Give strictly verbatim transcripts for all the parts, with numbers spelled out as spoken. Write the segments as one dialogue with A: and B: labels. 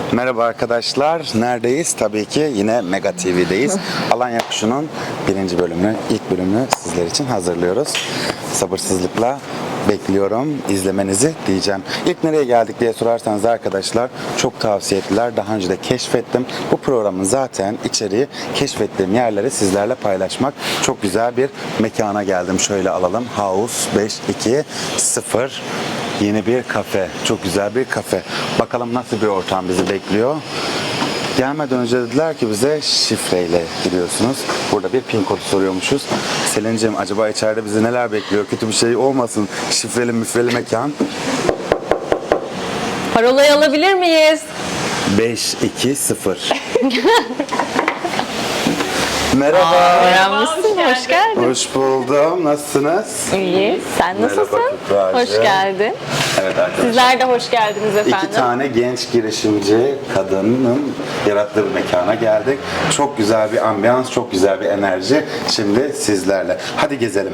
A: Merhaba arkadaşlar. Neredeyiz? Tabii ki yine Mega T V'deyiz. Alanya Kuşu'nun birinci bölümünü, ilk bölümünü sizler için hazırlıyoruz. Sabırsızlıkla bekliyorum izlemenizi diyeceğim. İlk nereye geldik diye sorarsanız arkadaşlar çok tavsiye ettiler. Daha önce de keşfettim. Bu programın zaten içeriği keşfettiğim yerleri sizlerle paylaşmak. Çok güzel bir mekana geldim. Şöyle alalım. House beş iki sıfır. Yeni bir kafe. Çok güzel bir kafe. Bakalım nasıl bir ortam bizi bekliyor. Gelmeden önce dediler ki bize şifreyle giriyorsunuz. Burada bir pin kodu soruyormuşuz. Selin'cim acaba içeride bizi neler bekliyor? Kötü bir şey olmasın. Şifreli müfreli mekan.
B: Parolayı alabilir miyiz?
A: beş iki sıfır. Merhaba.
B: Öğrenmişsin, hoş geldin.
A: Hoş buldum. Nasılsınız?
B: İyi, sen nasılsın?
A: Merhaba Kübra'cığım.
B: Hoş geldin.
A: Evet arkadaşlar.
B: Sizler de hoş geldiniz efendim.
A: İki tane genç girişimci kadının yarattığı bir mekana geldik. Çok güzel bir ambiyans, çok güzel bir enerji. Şimdi sizlerle. Hadi gezelim.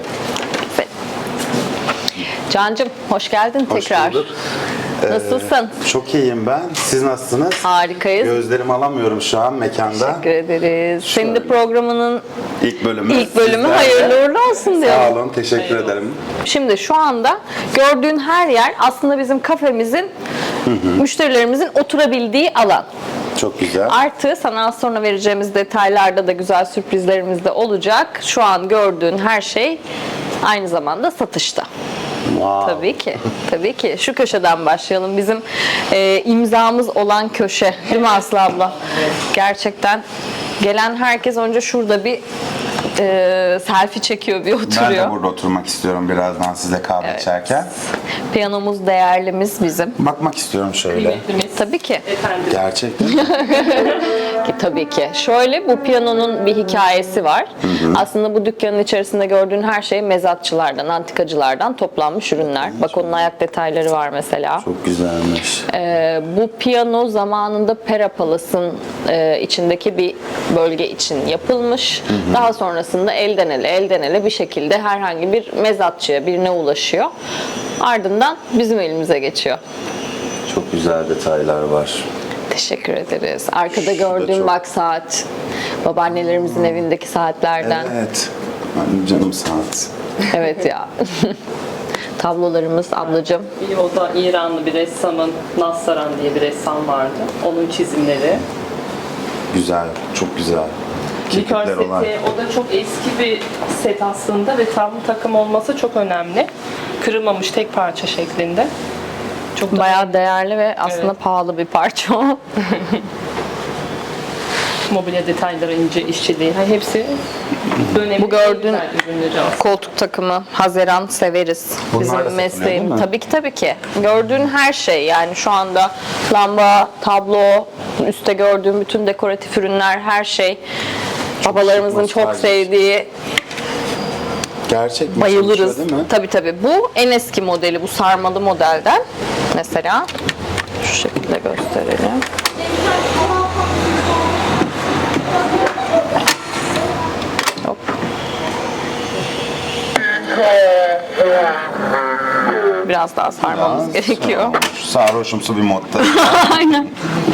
B: Cancım, hoş geldin
A: Hoş
B: tekrar.
A: bulduk.
B: Nasılsın?
A: Ee, çok iyiyim ben. Siz nasılsınız?
B: Harikayız.
A: Gözlerimi alamıyorum şu an mekanda.
B: Teşekkür ederiz. Senin de
A: Şöyle.
B: programının
A: İlk bölümü.
B: ilk bölümü
A: sizlerle.
B: hayırlı uğurlu olsun
A: Sağ
B: diyorum.
A: olun, teşekkür ederim.
B: Şimdi şu anda gördüğün her yer aslında bizim kafemizin, müşterilerimizin oturabildiği alan.
A: Çok güzel.
B: Artı sana az sonra vereceğimiz detaylarda da güzel sürprizlerimiz de olacak. Şu an gördüğün her şey aynı zamanda satışta.
A: Wow.
B: Tabii ki. Tabii ki. Şu köşeden başlayalım. Bizim e, imzamız olan köşe. Değil mi Aslı abla? Gerçekten gelen herkes önce şurada bir e, selfie çekiyor, bir oturuyor.
A: Ben de burada oturmak istiyorum birazdan size kahve
B: Evet.
A: içerken.
B: Piyanomuz değerlimiz bizim.
A: Bakmak istiyorum şöyle.
B: Tabii ki.
A: Gerçekten.
B: Ki tabii ki. Şöyle, bu piyanonun bir hikayesi var. Aslında bu dükkanın içerisinde gördüğün her şey mezatçılardan, antikacılardan toplanmış ürünler. Bak onun ayak detayları var mesela.
A: Çok güzelmiş.
B: Ee, bu piyano zamanında Pera Palace'ın e, içindeki bir bölge için yapılmış. Daha sonrasında elden ele, elden ele bir şekilde herhangi bir mezatçıya, birine ulaşıyor. Ardından bizim elimize geçiyor.
A: Çok güzel detaylar var.
B: Teşekkür ederiz. Arkada
A: Şu da
B: gördüğüm
A: çok-
B: bak saat. Babaannelerimizin evindeki saatlerden.
A: Evet. Benim canım saat.
B: Evet ya. Tablolarımız ablacığım.
C: Bir o da İranlı bir ressamın, Nassaran diye bir ressam vardı. Onun çizimleri.
A: Güzel, çok güzel.
C: Likör
A: Kirpikler
C: seti,
A: olan.
C: o da çok eski bir set aslında ve tam takım olması çok önemli. Kırılmamış tek parça şeklinde. Çok da
B: Bayağı değerli ve aslında
C: Evet.
B: pahalı bir parça o.
C: mobilya detayları, ince işçiliği. Ha, hepsi önemli.
B: Bu gördüğün
C: güzel ürünleri aslında.
B: koltuk takımı Haziran severiz.
A: Bunlar da
B: Bizim
A: satılıyor,
B: mesleğim.
A: değil mi?
B: Tabii ki tabii ki. Gördüğün her şey yani şu anda lamba, tablo, üstte gördüğün bütün dekoratif ürünler, her şey babalarımızın çok
A: nostaljik.
B: sevdiği,
A: Gerçek mi?
B: bayılırız.
A: Çalışıyor, değil mi?
B: Tabii tabii. Bu en eski modeli, bu sarmalı modelden. Mesela şu şekilde gösterelim. Hop. Biraz daha sarmamız
A: Aa,
B: gerekiyor.
A: sarhoş- Sarhoşumsu bir modda.
B: Aynen.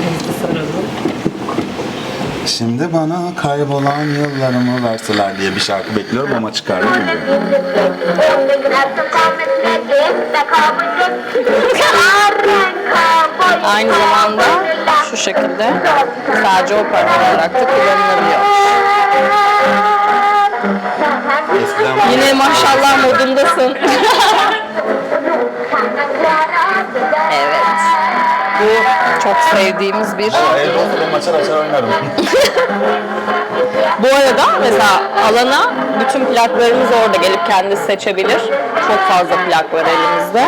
A: Şimdi bana kaybolan yıllarımı verseler diye bir şarkı bekliyorum ama çıkardı gibi.
B: Aynı zamanda şu şekilde sadece opera olarak da kullanılabiliyor.
A: Eskiden
B: Yine maşallah modundasın. Evet. Bu çok sevdiğimiz bir
A: evde oturup açar açar oynarım.
B: Bu arada mesela alana bütün plaklarımız orada, gelip kendisi seçebilir. Çok fazla plak var elimizde.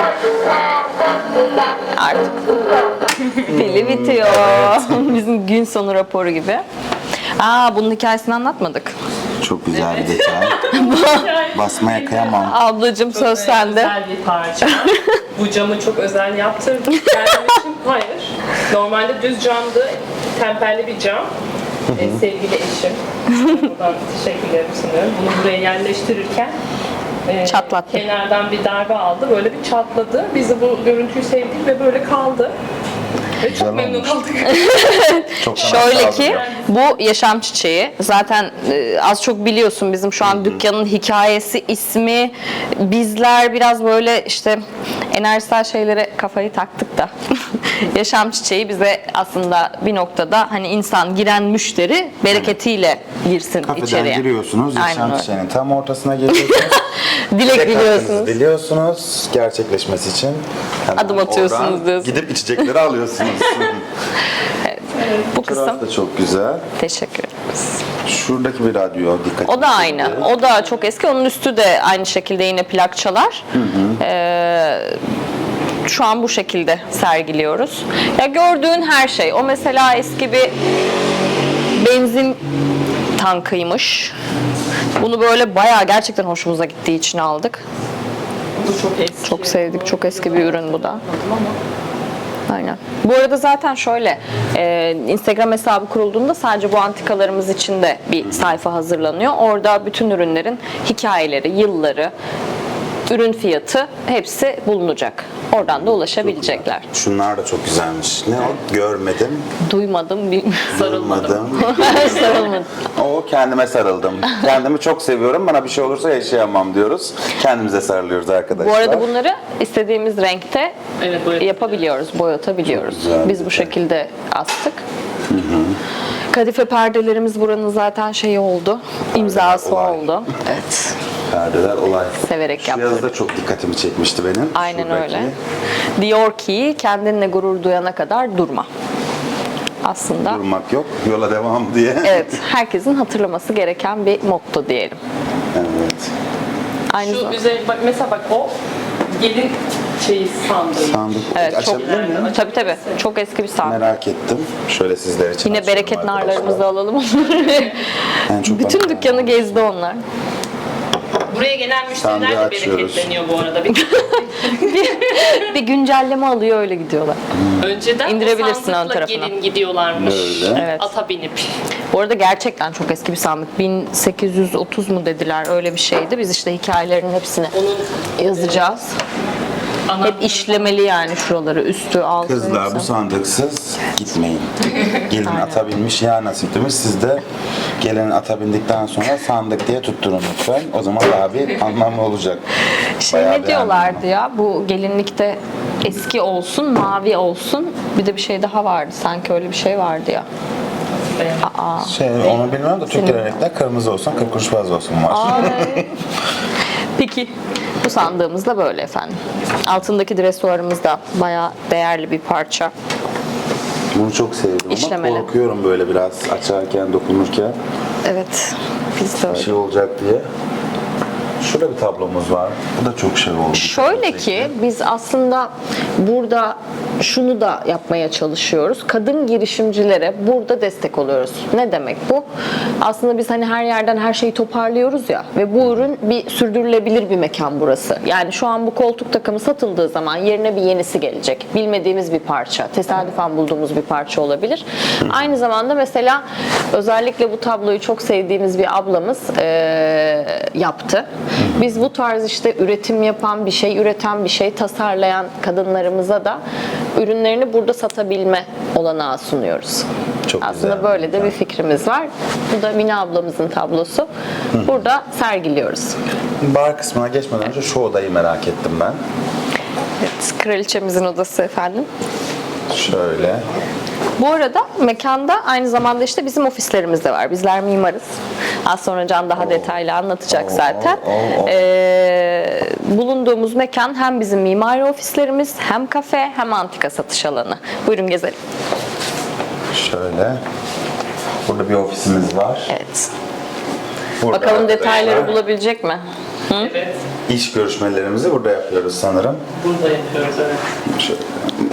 B: Artık pili bitiyor. Bizim gün sonu raporu gibi. Aa, bunun hikayesini anlatmadık.
A: Çok güzel bir detay. Basmaya kıyamam.
B: Ablacığım söz sende.
C: Özel bir parça. Bu camı çok özel yaptırdım. Kendim için hayır. Normalde düz camdı. Temperli bir cam. Ee, sevgili eşim. Buradan teşekkürlerimi sunuyorum. Bunu buraya yerleştirirken e,
B: Çatlattı.
C: kenardan bir darbe aldı. Böyle bir çatladı. Biz de bu görüntüyü sevdik ve böyle kaldı. Ve
A: Güzel
C: çok memnun
A: olmuş.
C: kaldık.
A: Çok
B: Şöyle ki bu yaşam çiçeği. Zaten e, az çok biliyorsun bizim şu an dükkanın hikayesi, ismi. Bizler biraz böyle işte enerjisel şeylere kafayı taktık da. Yaşam çiçeği bize aslında bir noktada hani insan giren müşteri bereketiyle girsin
A: Kafeden
B: içeriye.
A: giriyorsunuz,
B: Aynen
A: yaşam
B: öyle.
A: çiçeğinin tam ortasına geliyorsunuz.
B: Dilek
A: Dilek hakkınızı
B: biliyorsunuz.
A: Diliyorsunuz, gerçekleşmesi için. hemen
B: Adım atıyorsunuz
A: oradan
B: diyorsun.
A: Gidip içecekleri alıyorsunuz.
B: Bu kısım.
A: Burası da çok güzel.
B: Teşekkür ederiz.
A: Şuradaki bir radyo dikkat.
B: O da aynı. O da çok eski. Onun üstü de aynı şekilde yine plak çalar. Ee, şu an bu şekilde sergiliyoruz. Ya gördüğün her şey. O mesela eski bir benzin tankıymış. Bunu böyle bayağı gerçekten hoşumuza gittiği için aldık.
C: Bu çok eski.
B: Çok sevdik. Çok eski bir ürün bu da. Aynen. Bu arada zaten şöyle, e, Instagram hesabı kurulduğunda sadece bu antikalarımız için de bir sayfa hazırlanıyor. Orada bütün ürünlerin hikayeleri, yılları, ürün fiyatı hepsi bulunacak. Oradan da ulaşabilecekler.
A: Şunlar da çok güzelmiş. Ne o? Görmedim,
B: Duymadım, bir
A: sarılmadım.
B: sarılmadım.
A: O kendime sarıldım. Kendimi çok seviyorum. Bana bir şey olursa yaşayamam diyoruz. Kendimize sarılıyoruz arkadaşlar.
B: Bu arada bunları istediğimiz renkte
C: Evet, boyat-
B: yapabiliyoruz, boyatabiliyoruz.
A: Çok güzel.
B: Biz bu şekilde astık. Kadife perdelerimiz buranın zaten şeyi oldu, imzası
A: olay.
B: oldu. Evet.
A: Perdeler olay.
B: Severek
A: Şu
B: yaptım.
A: yazıda çok dikkatimi çekmişti benim.
B: Aynen
A: Şuradaki.
B: öyle. Diyor ki kendinle gurur duyana kadar durma. Aslında
A: Durmak yok, yola devam diye.
B: evet, herkesin hatırlaması gereken bir motto diyelim.
A: Evet.
B: Aynı
C: Şu
B: zamanda.
C: üzeri, bak mesela bak o gelin şeyi sandığı.
A: Sandık.
B: Evet, çok
A: Açabilir miyim?
B: tabii tabii. Çok eski bir sandık.
A: Merak ettim. Şöyle sizler için
B: Yine
A: açıyorum
B: bereket
A: arkadaşlar.
B: narlarımızı alalım onları.
A: En çok
B: Bütün
A: bana-
B: dükkanı gezdi onlar.
C: Buraya gelen müşteriler
A: Sandığı
C: de
A: açıyoruz.
C: bereketleniyor bu arada. Bir-
B: Bir güncelleme alıyor öyle gidiyorlar.
C: Önceden
B: İndirebilirsin
C: o
B: ön
C: sandıkla
B: tarafına.
C: gelin gidiyorlarmış.
A: Böyle.
B: Evet.
C: Ata binip.
B: Bu arada gerçekten çok eski bir sandık. bin sekiz yüz otuz mu dediler, öyle bir şeydi. Biz işte hikayelerin hepsini
C: Onun
B: yazacağız.
C: ana
B: Hep işlemeli yani şuraları, üstü, altı.
A: Kızlar
B: hepsi.
A: bu sandıksız gitmeyin. Gelin ata binmiş ya nasip demiş. Siz de gelin ata bindikten sonra sandık diye tutturun lütfen. O zaman daha bir anlamlı olacak.
B: Şey
A: Bayağı
B: ne diyorlardı ya, bu gelinlikte eski olsun, mavi olsun. Bir de bir şey daha vardı. Sanki öyle bir şey vardı ya. Aa.
A: Şey, onu bilmiyorum da Türk gelenekte kırmızı olsun, kırk kuruş fazla olsun var.
B: Ay. Peki. Bu sandığımız da böyle efendim. Altındaki dresuarımız da bayağı değerli bir parça.
A: Bunu çok sevdim
B: İşlemeli.
A: ama korkuyorum böyle biraz açarken, dokunurken
B: Evet. Biz de öyle.
A: bir şey olacak diye. Şurada bir tablomuz var. Bu da çok şey oldu.
B: Şöyle ki biz aslında burada şunu da yapmaya çalışıyoruz. Kadın girişimcilere burada destek oluyoruz. Ne demek bu? Aslında biz hani her yerden her şeyi toparlıyoruz ya ve bu ürün bir sürdürülebilir bir mekan burası. Yani şu an bu koltuk takımı satıldığı zaman yerine bir yenisi gelecek. Bilmediğimiz bir parça, tesadüfen bulduğumuz bir parça olabilir. Aynı zamanda mesela özellikle bu tabloyu çok sevdiğimiz bir ablamız eee, yaptı. Biz bu tarz işte üretim yapan, bir şey üreten, bir şey tasarlayan kadınlarımıza da ürünlerini burada satabilme olanağı sunuyoruz.
A: Çok
B: Aslında
A: güzel.
B: böyle de bir fikrimiz var. Bu da Mine ablamızın tablosu. Burada sergiliyoruz.
A: Bar kısmına geçmeden önce şu odayı merak ettim ben.
B: Evet, kraliçemizin odası efendim.
A: Şöyle.
B: Bu arada mekanda aynı zamanda işte bizim ofislerimiz de var. Bizler mimarız. Az sonra Can daha detaylı anlatacak
A: Oo,
B: zaten.
A: oo, oo.
B: Ee, bulunduğumuz mekan hem bizim mimari ofislerimiz, hem kafe, hem antika satış alanı. Buyurun gezelim.
A: Şöyle. Burada bir ofisimiz var.
B: Evet.
A: Burada
B: Bakalım detayları
A: arkadaşlar,
B: bulabilecek mi?
C: Evet.
A: İş görüşmelerimizi burada yapıyoruz sanırım.
C: Burada yapıyoruz evet.
A: Şöyle.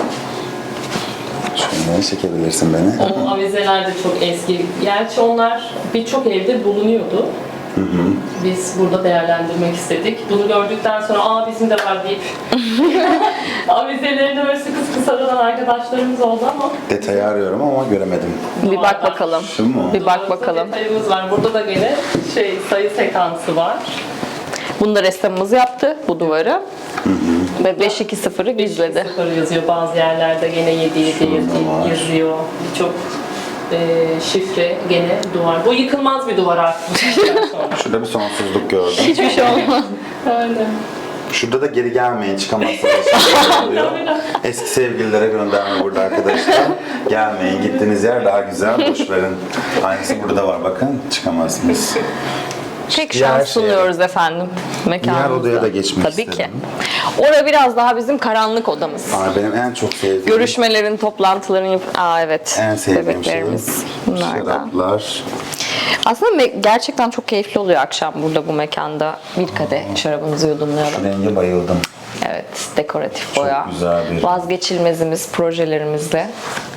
A: Şöyle çekebilirsin beni.
C: O avizeler de çok eski. Gerçi onlar birçok evde bulunuyordu. Biz burada değerlendirmek istedik. Bunu gördükten sonra aa bizim de var deyip avizelerini böyle sıkı sıkı sarılan arkadaşlarımız oldu ama
A: Detayı arıyorum ama göremedim.
B: Bir bak bakalım.
A: Şu mu?
B: Bir bak
C: Doğrusu
B: bakalım.
C: detayımız var. Burada da gene şey sayı sekansı var.
B: Bunu da ressamımız yaptı, bu duvarı. Ve beş iki sıfırı gizledi.
C: sıfır yazıyor bazı yerlerde, gene yedi yedi
A: var.
C: yazıyor. Birçok e, şifre gene duvar. Bu yıkılmaz bir duvar artık.
A: Şurada bir sonsuzluk gördüm.
B: Hiçbir şey olmaz.
C: Aynen.
A: Şurada da geri gelmeyin, çıkamazsınız. Oluyor. Eski sevgililere gönderme burada arkadaşlar. Gelmeyin, gittiğiniz yer daha güzel, boş verin. Aynısı burada var, bakın çıkamazsınız.
B: Tek
A: Diğer
B: şans
A: şeye-
B: sunuyoruz efendim mekanımızda.
A: Diğer odaya da geçmek
B: Tabii
A: istedim.
B: ki. Orada biraz daha bizim karanlık odamız.
A: Ama benim en çok sevdiğim,
B: Görüşmelerin, toplantıların yap- Aa evet.
A: en sevdiğim şey
B: Bebeklerimiz. Bunlar da.
A: şaraplar.
B: Aslında me- gerçekten çok keyifli oluyor akşam burada bu mekanda. Bir kadeh şarabımızı yudumlayalım.
A: Renge bayıldım.
B: Evet, dekoratif boya.
A: güzel bir-
B: Vazgeçilmezimiz projelerimizde.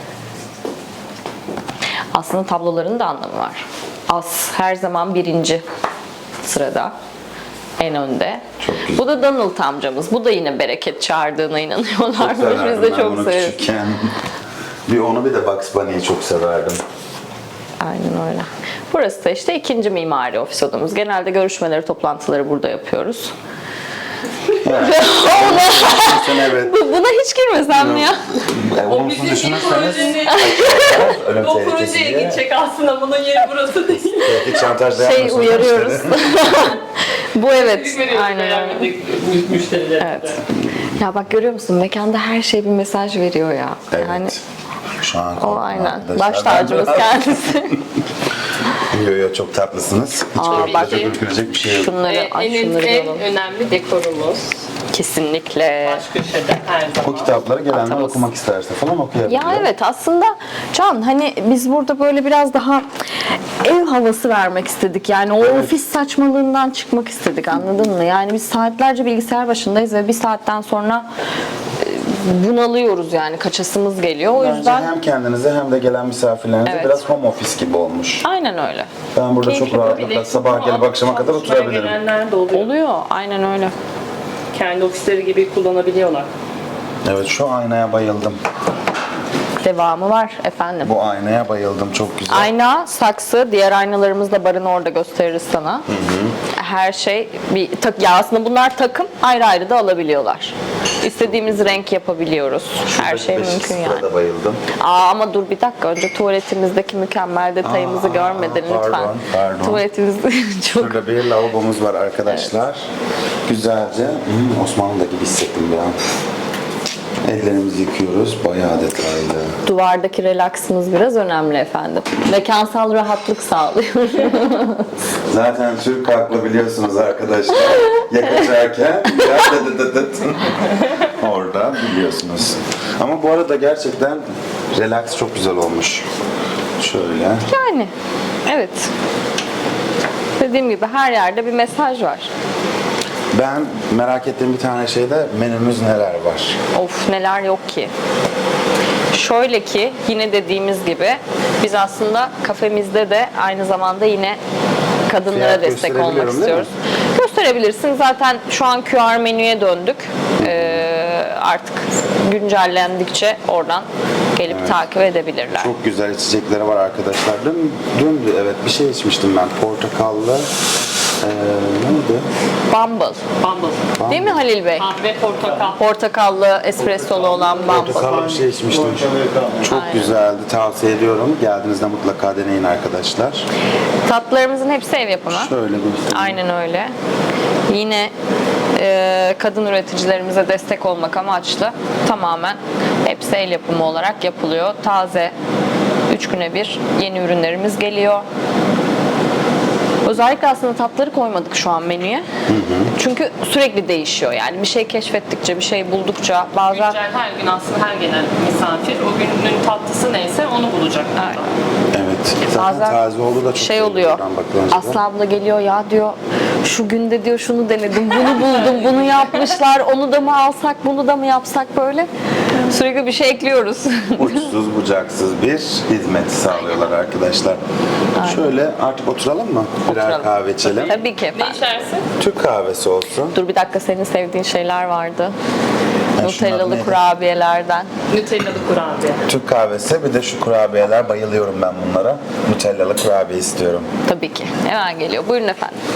B: Aslında tabloların da anlamı var. As her zaman birinci sırada. En önde.
A: Çok güzel.
B: Bu da Donald amcamız. Bu da yine bereket çağırdığına inanıyorlar. Biz
A: Severdim
B: de
A: ben
B: çok
A: bunu
B: severiz.
A: küçükken. Bir onu bir de Bugs Bunny'yi çok severdim.
B: Aynen öyle. Burası da işte ikinci mimari ofis odamız. Genelde görüşmeleri, toplantıları burada yapıyoruz.
A: Sen evet.
B: Bu- Buna hiç girmesem mi ya?
A: E, olumsuz düşünürseniz ölüm
C: o
A: tehlikesi
C: projeye
A: diye.
C: gidecek aslında, bunun yeri burası değil.
A: Tehdit şantajda
B: Şey
A: yapmasın
B: uyarıyoruz.
A: müşteri.
B: Bu evet.
C: Veriyoruz
B: Aynen öyle.
C: beğenmedik müşterilere.
B: Evet. Ya bak görüyor musun? Mekanda her şey bir mesaj veriyor ya.
A: Evet.
B: Yani
A: Şu an
B: o
A: korktum
B: aynen.
A: arkadaşlar.
B: Baş tacımız kendisi.
A: Yo yo çok tatlısınız. Hiç
B: Aa,
A: böyle
B: bak.
A: çok ürkülecek bir şey yok.
B: Şunları,
C: Ve
B: ay
C: en,
B: şunları
C: en
B: alalım.
C: önemli dekorumuz.
B: Kesinlikle.
C: Baş köşede her
A: Bu
C: zaman.
A: kitapları gelenler
B: Atamız.
A: okumak isterse falan okuyabiliyor.
B: Ya evet aslında Can hani biz burada böyle biraz daha ev havası vermek istedik. Yani o ofis saçmalığından çıkmak istedik, anladın mı? Yani biz saatlerce bilgisayar başındayız ve bir saatten sonra e, bunalıyoruz yani, kaçasımız geliyor. O
A: Bence
B: yüzden
A: hem kendinize hem de gelen misafirlerinize
B: Evet.
A: biraz home office gibi olmuş.
B: aynen öyle.
A: Ben burada
B: Keyifli
A: çok rahatlıkla sabah gelip akşama kadar oturabilirim.
C: Gelenler de oluyor.
B: Oluyor. Aynen öyle.
C: Kendi ofisleri gibi kullanabiliyorlar.
A: Evet, şu aynaya bayıldım.
B: Devamı var efendim.
A: Bu aynaya bayıldım, çok güzel.
B: Ayna, saksı, diğer aynalarımız da barını orada gösteririz sana. Her şey bir tak ya, aslında bunlar takım, ayrı ayrı da alabiliyorlar. İstediğimiz renk yapabiliyoruz. Her şey
A: Beşik
B: mümkün
A: sıfıra
B: yani.
A: da bayıldım.
B: Aa, ama dur bir dakika, önce tuvaletimizdeki mükemmel detayımızı
A: Aa,
B: görmedin lütfen.
A: pardon, pardon.
B: Tuvaletimiz çok
A: Şurada bir lavabomuz var arkadaşlar. Güzelce. Hmm, Osmanlı'da gibi hissettim bir an. Ellerimizi yıkıyoruz. Bayağı detaylı.
B: duvardaki relaksımız biraz önemli efendim. Mekansal rahatlık sağlıyor.
A: Zaten Türk haklı biliyorsunuz arkadaşlar. Ya kaçarken ya dıt dıt dıt. Orada biliyorsunuz. Ama bu arada gerçekten relax çok güzel olmuş. Şöyle.
B: Yani evet. Dediğim gibi her yerde bir mesaj var.
A: Ben merak ettiğim bir tane şeyde menümüz neler var?
B: Of, neler yok ki. Şöyle ki yine dediğimiz gibi biz aslında kafemizde de aynı zamanda yine kadınlara
A: Fiyat
B: destek olmak
A: gösterebiliyorum,
B: istiyoruz. Gösterebilirsin. Zaten şu an Q R menüye döndük. Ee, artık güncellendikçe oradan gelip takip edebilirler.
A: Çok güzel içecekleri var arkadaşlar. Dün, dün evet bir şey içmiştim ben. Portakallı. Ee, neydi?
B: Bumble.
C: Bumble.
B: Değil mi Halil Bey?
C: Kahve, portakal.
B: Portakallı, espressolu olan Bumble.
A: Portakallı bir şey içmiştim. Çok güzeldi. Tavsiye ediyorum. Geldiğinizde mutlaka deneyin arkadaşlar.
B: Tatlılarımızın hepsi ev yapımı.
A: Şöyle bir
B: Aynen öyle. Yine e, kadın üreticilerimize destek olmak amaçlı tamamen hepsi el yapımı olarak yapılıyor. Taze, üç güne bir yeni ürünlerimiz geliyor. Özellikle aslında tatları koymadık şu an menüye. Çünkü sürekli değişiyor. Yani bir şey keşfettikçe, bir şey buldukça bazen...
C: Güncel her gün aslında her gelen misafir o günün tatlısı neyse onu bulacak.
B: Aynen.
A: Evet. Zaten
B: Bazen
A: taze olduğu da çok
B: şey
A: iyi
B: oluyor.
A: buradan bakılınca da.
B: Aslı abla geliyor, ya diyor şu günde diyor şunu denedim, bunu buldum, bunu yapmışlar, onu da mı alsak, bunu da mı yapsak, böyle sürekli bir şey ekliyoruz.
A: Uçsuz bucaksız bir hizmet sağlıyorlar arkadaşlar. Şöyle artık oturalım mı? Birer
B: Oturalım.
A: kahve içelim.
B: Tabii ki
C: Ne
B: efendim.
C: içersin?
A: Türk kahvesi olsun.
B: Dur bir dakika, senin sevdiğin şeyler vardı.
A: Ha, şunlar
B: Nutellalı
A: neydi?
B: kurabiyelerden.
C: Nutellalı kurabiye.
A: Türk kahvesi, bir de şu kurabiyeler, bayılıyorum ben bunlara. Nutellalı kurabiye istiyorum.
B: Tabii ki. Hemen geliyor. Buyurun efendim.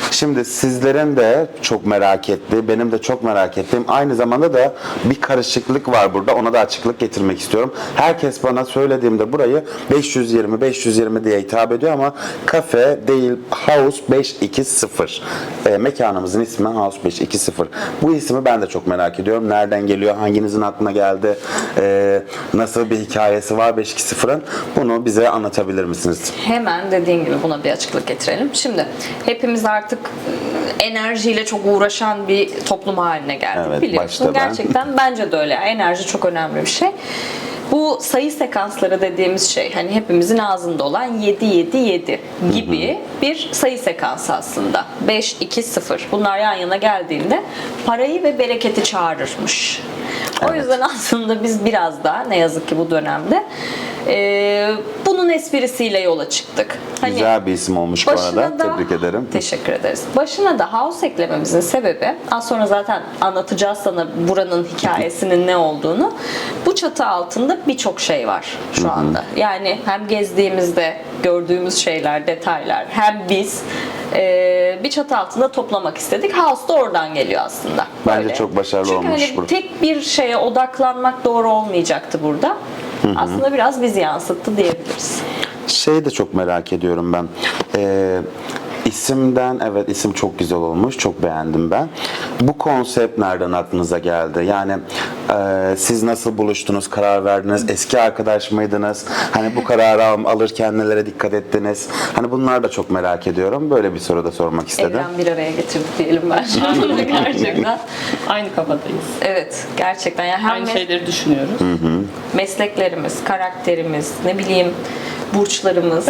A: Şimdi sizlerin de çok merak ettiği, benim de çok merak ettiğim, aynı zamanda da bir karışıklık var burada. Ona da açıklık getirmek istiyorum. Herkes bana söylediğimde burayı beş yüz yirmi beş yüz yirmi diye hitap ediyor ama kafe değil, House beş iki sıfır. E, mekanımızın ismi House beş iki sıfır. Bu ismi ben de çok merak ediyorum. Nereden geliyor? Hanginizin aklına geldi? E, nasıl bir hikayesi var beş iki sıfırın? Bunu bize anlatabilir misiniz?
D: Hemen dediğin gibi buna bir açıklık getirelim. Şimdi hepimiz artık e, enerjiyle çok uğraşan bir toplum haline geldik,
A: Evet,
D: biliyorsun.
A: başta ben.
D: Gerçekten bence de öyle. Enerji çok önemli bir şey. Bu sayı sekansları dediğimiz şey, hani hepimizin ağzında olan yedi yedi yedi gibi bir sayı sekansı aslında. beş iki sıfır. Bunlar yan yana geldiğinde parayı ve bereketi çağırırmış. O
A: Evet.
D: yüzden aslında biz biraz daha ne yazık ki bu dönemde e, bunun esprisiyle yola çıktık. Hani
A: Güzel bir isim olmuş bu arada. Tebrik ederim.
D: Teşekkür ederiz. Başına da house eklememizin sebebi, az sonra zaten anlatacağız sana buranın hikayesinin ne olduğunu. Bu çatı altında birçok şey var şu anda. Yani hem gezdiğimizde gördüğümüz şeyler, detaylar, hem biz e, bir çatı altında toplamak istedik. House da oradan geliyor aslında.
A: Bence
D: Böyle.
A: çok başarılı
D: Çünkü
A: olmuş
D: hani
A: bu.
D: tek bir şeye odaklanmak doğru olmayacaktı burada. Aslında biraz bizi yansıttı diyebiliriz.
A: Şey de çok merak ediyorum ben. Ee, isimden, evet isim çok güzel olmuş. Çok beğendim ben. Bu konsept nereden aklınıza geldi? Yani e, siz nasıl buluştunuz, karar verdiniz? Eski arkadaş mıydınız? Hani bu kararı al- alırken nelere dikkat ettiniz? Hani bunlar da çok merak ediyorum. Böyle bir soru da sormak istedim.
D: Evren bir araya getirdik diyelim ben şu anda gerçekten.
C: Aynı kafadayız.
D: Evet, gerçekten. Yani hem
C: Aynı
D: mes-
C: şeyleri düşünüyoruz.
D: mesleklerimiz, karakterimiz, ne bileyim burçlarımız.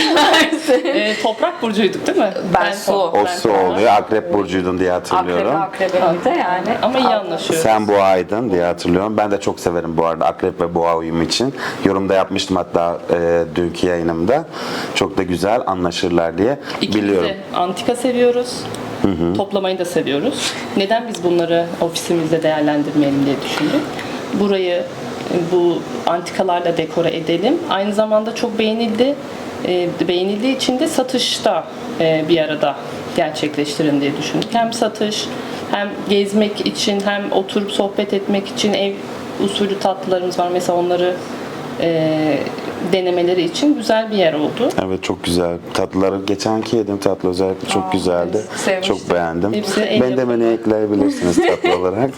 C: Ee, toprak burcuyduk değil mi?
D: Ben su.
A: O
C: ben
A: su
C: toprak.
A: oluyor. Akrep burcuydun diye
D: Akrebe
A: hatırlıyorum.
D: akrebe de yani.
C: Ama iyi anlaşıyoruz.
A: Sen boğaydın diye hatırlıyorum. Ben de çok severim bu arada akrep ve boğa uyumu için. Yorumda yapmıştım hatta e, dünkü yayınımda. Çok da güzel anlaşırlar diye
C: İkimiz
A: biliyorum.
C: de antika seviyoruz. Toplamayı da seviyoruz. Neden biz bunları ofisimizde değerlendirmeyelim diye düşündük. Burayı bu antikalarla dekore edelim. Aynı zamanda çok beğenildi. E, beğenildiği için de satışta e, bir arada gerçekleştirin diye düşündük. Hem satış, hem gezmek için, hem oturup sohbet etmek için ev usulü tatlılarımız var. Mesela onları e, denemeleri için güzel bir yer oldu.
A: Evet çok güzel. Tatlıları geçenki yedim tatlı özellikle çok
D: Aa,
A: güzeldi.
D: evet, sevmiştim.
A: Çok beğendim.
C: Hepsi el
A: Ben de beni ekleyebilirsiniz tatlı olarak.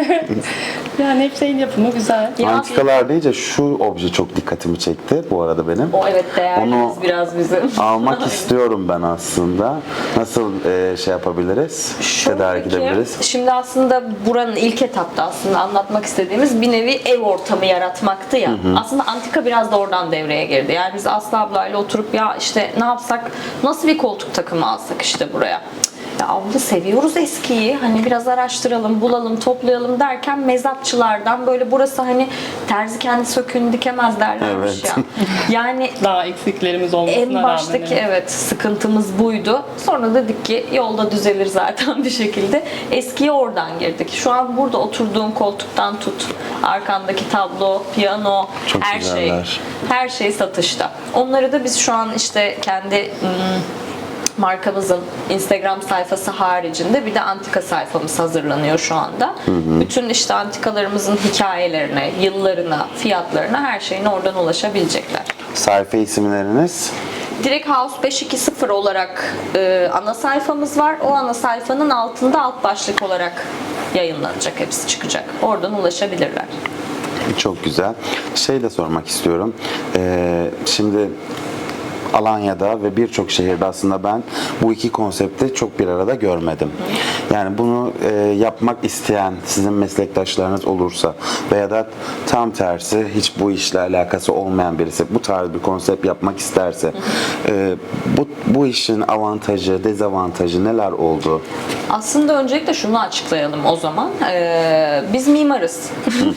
C: Yani hepsi el yapımı güzel.
D: Ya,
A: Antikalar deyince şu obje çok dikkatimi çekti bu arada benim.
D: o evet değerlimiz
A: Onu
D: biraz bizim.
A: almak istiyorum ben aslında. Nasıl e, şey yapabiliriz?
D: Şöyle
A: Tedarik
D: ki,
A: edebiliriz.
D: Şimdi aslında buranın ilk etapta aslında anlatmak istediğimiz bir nevi ev ortamı yaratmaktı ya. Aslında antika biraz da oradan devreye girdi. Yani biz Aslı ablayla oturup ya işte ne yapsak, nasıl bir koltuk takımı alsak işte buraya. Ya abla seviyoruz eskiyi. Hani biraz araştıralım, bulalım, toplayalım derken mezatçılardan böyle burası hani terzi kendi söküğünü dikemez derlermiş
A: Evet.
D: ya. Yani
C: Daha eksiklerimiz olmasına
D: en
C: rağmen.
D: baştaki
C: evet.
D: evet sıkıntımız buydu. Sonra dedik ki yolda düzelir zaten bir şekilde. Eskiye oradan girdik. Şu an burada oturduğum koltuktan tut, arkandaki tablo, piyano,
A: Çok
D: her şey,
A: güzeller.
D: her şey satışta. Onları da biz şu an işte kendi hmm, markamızın Instagram sayfası haricinde bir de antika sayfamız hazırlanıyor şu anda. Bütün işte antikalarımızın hikayelerine, yıllarına, fiyatlarına, her şeyine oradan ulaşabilecekler.
A: Sayfa isimleriniz?
D: Direkt House beş iki sıfır olarak e, ana sayfamız var. O ana sayfanın altında alt başlık olarak yayınlanacak, hepsi çıkacak. Oradan ulaşabilirler.
A: Çok güzel. Şey de sormak istiyorum. Ee, şimdi Alanya'da ve birçok şehirde aslında ben bu iki konsepti çok bir arada görmedim. Yani bunu e, yapmak isteyen sizin meslektaşlarınız olursa veya da tam tersi hiç bu işle alakası olmayan birisi bu tarz bir konsept yapmak isterse e, bu, bu işin avantajı, dezavantajı neler oldu?
D: Aslında öncelikle şunu açıklayalım o zaman. Ee, biz mimarız.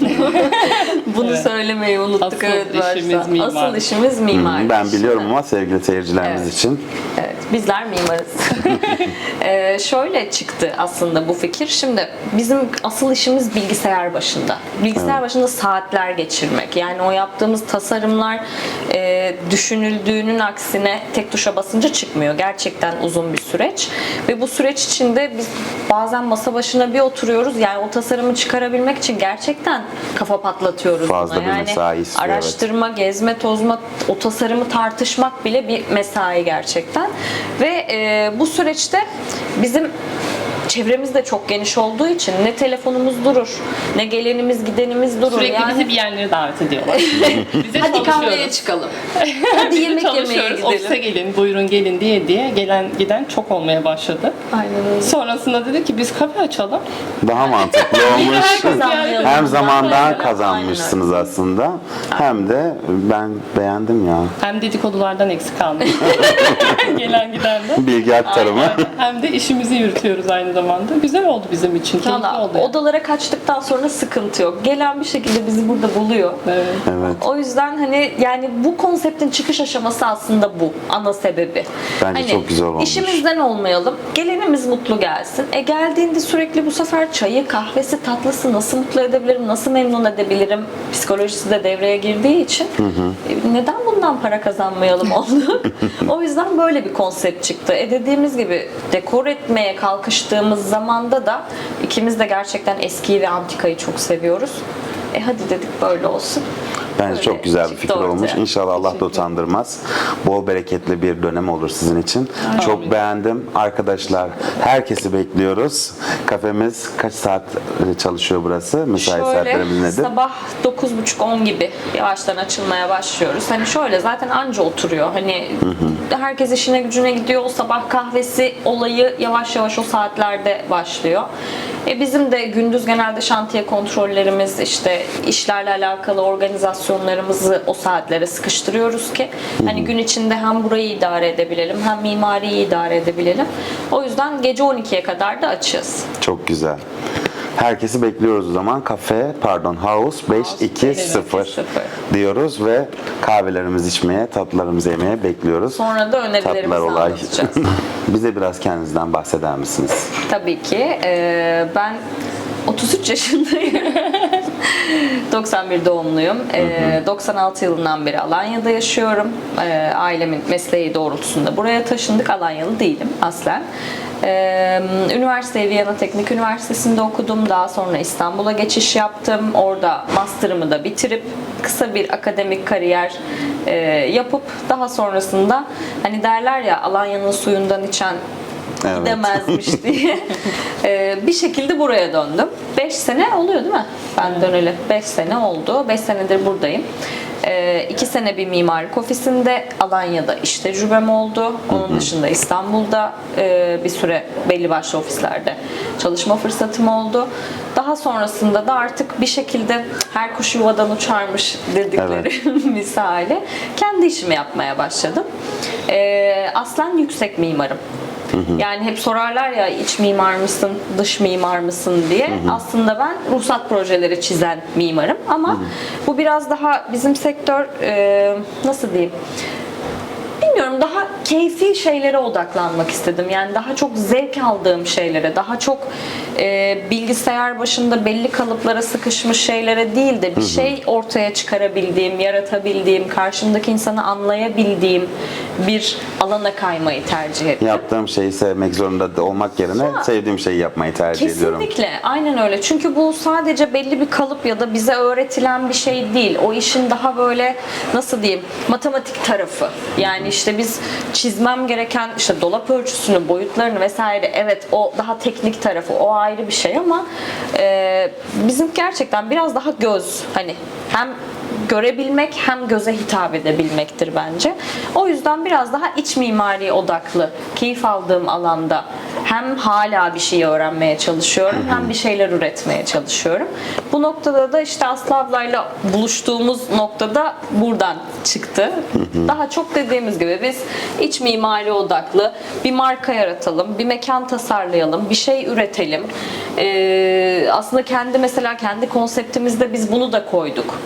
D: Bunu
C: Evet.
D: söylemeyi unuttuk.
C: Asıl
D: evet,
C: işimiz
D: başta.
C: mimar.
D: Asıl işimiz mimar.
A: Ben biliyorum ama sevgili seyircilerimiz
D: Evet.
A: için.
D: Evet. bizler mimarız. Ee, şöyle çıktı aslında bu fikir. Şimdi bizim asıl işimiz bilgisayar başında. Bilgisayar başında saatler geçirmek. Yani o yaptığımız tasarımlar e, düşünüldüğünün aksine tek tuşa basınca çıkmıyor. Gerçekten uzun bir süreç. Ve bu süreç içinde biz bazen masa başına bir oturuyoruz. Yani o tasarımı çıkarabilmek için gerçekten kafa patlatıyoruz
A: Fazla
D: buna.
A: bir
D: Yani
A: mesai istiyor, evet.
D: araştırma, gezme, tozma, o tasarımı tartışmak bile bir mesai gerçekten. Ve e, bu süreçte bizim çevremiz de çok geniş olduğu için ne telefonumuz durur, ne gelenimiz gidenimiz durur.
C: Sürekli
D: yani
C: bizi bir yerlere davet ediyorlar. Bize
D: hadi kahveye
C: çalışıyoruz.
D: çıkalım. Hadi yemek yemeye
C: Çalışıyoruz. Ofise
D: gidelim.
C: gelin, buyurun gelin diye diye gelen giden çok olmaya başladı.
D: Aynen öyle.
C: Sonrasında dedik ki biz kafe açalım.
A: Daha mantıklı olmuş.
D: kazanmayalım.
A: Hem zamandan
D: Aynen.
A: kazanmışsınız aslında. Hem de ben beğendim ya.
C: Hem dedikodulardan eksik kalmayız. Gelen gidenden.
A: Bilgi aktarımı.
C: Hem de işimizi yürütüyoruz aynı zamanda. Güzel oldu bizim için. Keyifli
D: Valla
C: oldu. yani.
D: odalara kaçtıktan sonra sıkıntı yok. Gelen bir şekilde bizi burada buluyor.
C: Evet.
A: Evet.
D: O yüzden hani yani bu konseptin çıkış aşaması aslında bu. Ana sebebi.
A: Bence
D: Hani
A: çok güzel olmuş.
D: İşimizden olmayalım. Gelenimiz mutlu gelsin. E geldiğinde sürekli bu sefer çayı, kahvesi, tatlısı nasıl mutlu edebilirim, nasıl memnun edebilirim psikolojisi de devreye girdiği için e, neden bundan para kazanmayalım oldu. O yüzden böyle bir konsept çıktı. E dediğimiz gibi dekor etmeye kalkıştığımız zamanda da ikimiz de gerçekten eskiyi ve antikayı çok seviyoruz. E hadi dedik böyle olsun.
A: Bence
D: Öyle
A: çok güzel bir
D: çıktı
A: fikir
D: ortaya.
A: olmuş. İnşallah Allah da utandırmaz. Bol bereketli bir dönem olur sizin için. Çok beğendim. Arkadaşlar herkesi bekliyoruz. Kafemiz kaç saat çalışıyor burası? Mesai saatlerimiz
D: Şöyle
A: nedir?
D: sabah dokuz buçuk on gibi yavaştan açılmaya başlıyoruz. Hani şöyle zaten anca oturuyor. Hani herkes işine gücüne gidiyor. O sabah kahvesi olayı yavaş yavaş o saatlerde başlıyor. E bizim de gündüz genelde şantiye kontrollerimiz, işte işlerle alakalı organizasyonlarımızı o saatlere sıkıştırıyoruz ki hani gün içinde hem burayı idare edebilelim hem mimariyi idare edebilelim. O yüzden gece on ikiye kadar da açığız.
A: Çok güzel. Herkesi bekliyoruz o zaman. Kafe, pardon, House beş iki sıfır diyoruz ve kahvelerimizi içmeye, tatlılarımızı yemeye bekliyoruz.
D: Sonra da önerilerimizi
A: Tatlılar olay.
D: anlatacağız.
A: Bize biraz kendinizden bahseder misiniz?
D: Tabii ki. Ee, ben otuz üç yaşındayım. doksan bir doğumluyum. Ee, doksan altı yılından beri Alanya'da yaşıyorum. Ee, ailemin mesleği doğrultusunda buraya taşındık. Alanyalı değilim aslen. Ee, üniversiteyi Viyana Teknik Üniversitesi'nde okudum. Daha sonra İstanbul'a geçiş yaptım. Orada master'ımı da bitirip kısa bir akademik kariyer e, yapıp daha sonrasında hani derler ya Alanya'nın suyundan içen
A: Evet.
D: gidemezmiş diye ee, bir şekilde buraya döndüm. beş sene oluyor değil mi? Ben döneli. beş sene oldu. beş senedir buradayım. iki sene bir mimarlık ofisinde Alanya'da iş tecrübem oldu. Onun dışında İstanbul'da e, bir süre belli başlı ofislerde çalışma fırsatım oldu. Daha sonrasında da artık bir şekilde her kuş yuvadan uçarmış dedikleri misali kendi işimi yapmaya başladım. E, aslen yüksek mimarım. Yani hep sorarlar ya iç mimar mısın, dış mimar mısın diye. Aslında ben ruhsat projeleri çizen mimarım ama bu biraz daha bizim sektör e, nasıl diyeyim? Bilmiyorum, daha keyfi şeylere odaklanmak istedim. Yani daha çok zevk aldığım şeylere, daha çok e, bilgisayar başında belli kalıplara sıkışmış şeylere değil de bir şey ortaya çıkarabildiğim, yaratabildiğim, karşımdaki insanı anlayabildiğim bir alana kaymayı tercih ettim.
A: Yaptığım şeyi sevmek zorunda da olmak yerine
D: Ya,
A: sevdiğim şeyi yapmayı tercih ediyorum.
D: Kesinlikle. Aynen öyle. Çünkü bu sadece belli bir kalıp ya da bize öğretilen bir şey değil. O işin daha böyle nasıl diyeyim matematik tarafı. Yani işte biz çizmem gereken işte dolap ölçüsünü, boyutlarını vesaire, evet o daha teknik tarafı, o ayrı bir şey ama e, bizim gerçekten biraz daha göz, hani hem görebilmek hem göze hitap edebilmektir bence. O yüzden biraz daha iç mimari odaklı, keyif aldığım alanda hem hala bir şey öğrenmeye çalışıyorum hem bir şeyler üretmeye çalışıyorum. Bu noktada da işte Aslı ablayla buluştuğumuz noktada buradan çıktı. Daha çok dediğimiz gibi biz iç mimari odaklı bir marka yaratalım, bir mekan tasarlayalım, bir şey üretelim. Ee, aslında kendi mesela kendi konseptimizde biz bunu da koyduk.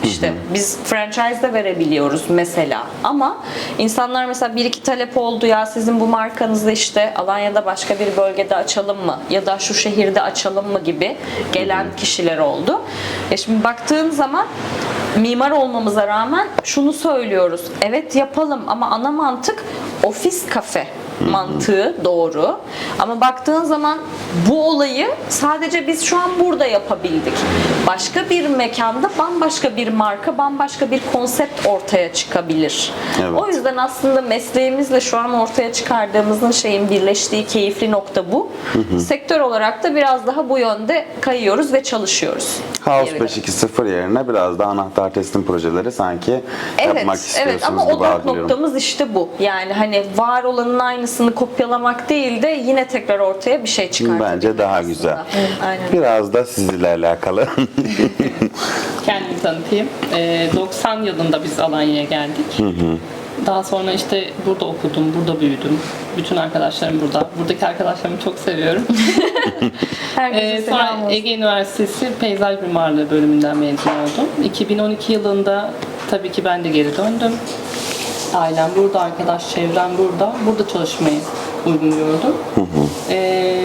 D: İşte biz franchise de verebiliyoruz mesela. Ama insanlar mesela bir iki talep oldu ya sizin bu markanızı işte Alanya'da başka bir bölgede açalım mı? Ya da şu şehirde açalım mı gibi gelen kişiler oldu. E şimdi baktığın zaman mimar olmamıza rağmen şunu söylüyoruz. Evet yapalım ama ana mantık ofis kafe mantığı doğru. Ama baktığın zaman bu olayı sadece biz şu an burada yapabildik. Başka bir mekanda bambaşka bir marka, bambaşka bir konsept ortaya çıkabilir.
A: Evet.
D: O yüzden aslında mesleğimizle şu an ortaya çıkardığımızın şeyin birleştiği keyifli nokta bu. Sektör olarak da biraz daha bu yönde kayıyoruz ve çalışıyoruz.
A: House
D: diyebilirim.
A: beş iki sıfır yerine biraz da anahtar teslim projeleri sanki yapmak
D: Evet,
A: istiyorsunuz
D: evet ama
A: gibi
D: odak
A: algılıyorum.
D: noktamız işte bu. Yani hani var olanın aynısını kopyalamak değil de yine tekrar ortaya bir şey çıkartabilmek
A: Bence daha
D: aslında.
A: güzel.
D: Evet, aynen.
A: Biraz da sizinle alakalı.
C: Kendimi tanıtayım. Ee, doksan yılında biz Alanya'ya geldik. Daha sonra işte burada okudum, burada büyüdüm. Bütün arkadaşlarım burada. Buradaki arkadaşlarımı çok seviyorum.
D: Herkese
C: Ee,
D: selam
C: sonra
D: olsun.
C: Ege Üniversitesi Peyzaj Mimarlığı bölümünden mezun oldum. iki bin on iki yılında tabii ki ben de geri döndüm. Ailem burada, arkadaş çevrem burada. Burada çalışmayı uygun gördüm. Ee,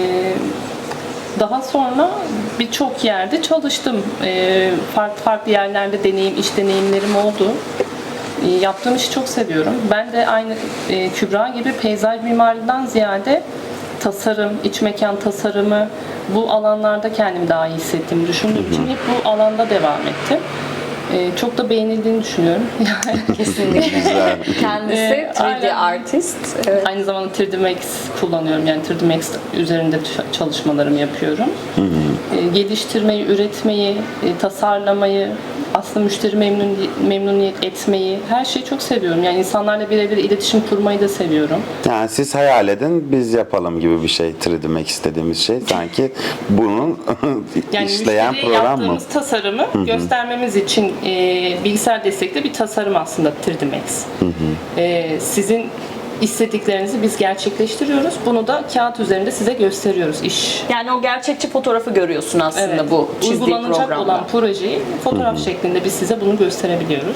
C: daha sonra birçok yerde çalıştım. Ee, farklı farklı yerlerde deneyim, iş deneyimlerim oldu. Ee, yaptığım işi çok seviyorum. Ben de aynı e, Kübra gibi peyzaj mimarlığından ziyade tasarım, iç mekan tasarımı bu alanlarda kendimi daha iyi hissettiğimi düşündüğüm için hep bu alanda devam ettim. Ee, çok da beğenildiğini düşünüyorum.
D: Kesinlikle.
A: Güzel.
D: Kendisi
C: Ee,
D: üç D
C: aynen.
D: artist. Evet.
C: Aynı zamanda üç D Max kullanıyorum. Yani üç D Max üzerinde ç- çalışmalarımı yapıyorum. Ee, geliştirmeyi, üretmeyi, e, tasarlamayı, aslında müşteri memnun, memnuniyet etmeyi, her şeyi çok seviyorum. Yani insanlarla birebir iletişim kurmayı da seviyorum.
A: Yani siz hayal edin, biz yapalım gibi bir şey. üç D Max istediğimiz şey. Sanki bunun
C: Yani
A: işleyen
C: müşteriye
A: program mı?
C: yaptığımız tasarımı göstermemiz için e, bilgisayar destekli bir tasarım aslında üç D Max. E, sizin istediklerinizi biz gerçekleştiriyoruz. Bunu da kağıt üzerinde size gösteriyoruz iş.
D: Yani o gerçekçi fotoğrafı görüyorsun aslında
C: Evet.
D: bu çizdiği
C: Uygulanacak
D: programda.
C: olan projeyi fotoğraf şeklinde biz size bunu gösterebiliyoruz.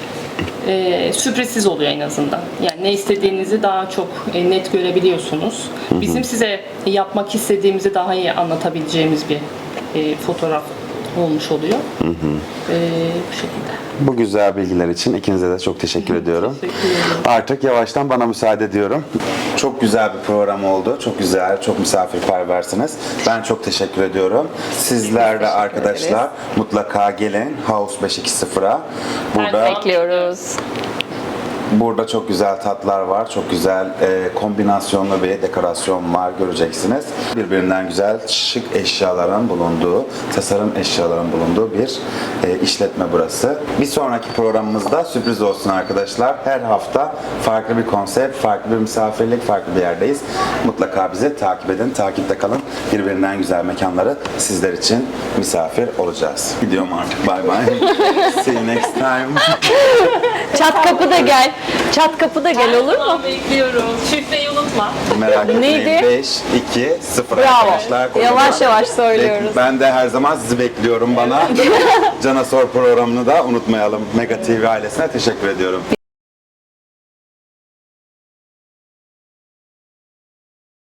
C: Ee, sürprizsiz oluyor en azından. Yani ne istediğinizi daha çok e, net görebiliyorsunuz. Bizim size yapmak istediğimizi daha iyi anlatabileceğimiz bir e, fotoğraf olmuş oluyor. Ee, bu şekilde.
A: Bu güzel bilgiler için ikinize de çok teşekkür ediyorum.
C: Teşekkür ederim.
A: Artık yavaştan bana müsaade ediyorum. Çok güzel bir program oldu. Çok güzel, çok misafirperversiniz. Ben çok teşekkür ediyorum. Sizler de arkadaşlar mutlaka gelin House beş iki sıfıra. Burada
B: Bekliyoruz.
A: Burada çok güzel tatlar var, çok güzel e, kombinasyonlu bir dekorasyon var, göreceksiniz. Birbirinden güzel şık eşyaların bulunduğu, tasarım eşyaların bulunduğu bir e, işletme burası. Bir sonraki programımızda sürpriz olsun arkadaşlar. Her hafta farklı bir konsept, farklı bir misafirlik, farklı bir yerdeyiz. Mutlaka bizi takip edin, takipte kalın. Birbirinden güzel mekanları sizler için misafir olacağız. Gidiyorum artık, bye bye. See you next time.
B: Çat kapı da gel. Çat kapı da gel olur mu?
C: Tamam, bekliyoruz. Şifreyi unutma.
A: Merak etmeyin.
B: Neydi?
A: beş, iki, sıfır
B: Bravo.
A: arkadaşlar. Kocaman.
B: Yavaş yavaş söylüyoruz.
A: Ben de her zaman sizi bekliyorum bana. Cana Sor programını da unutmayalım. Mega T V ailesine teşekkür ediyorum.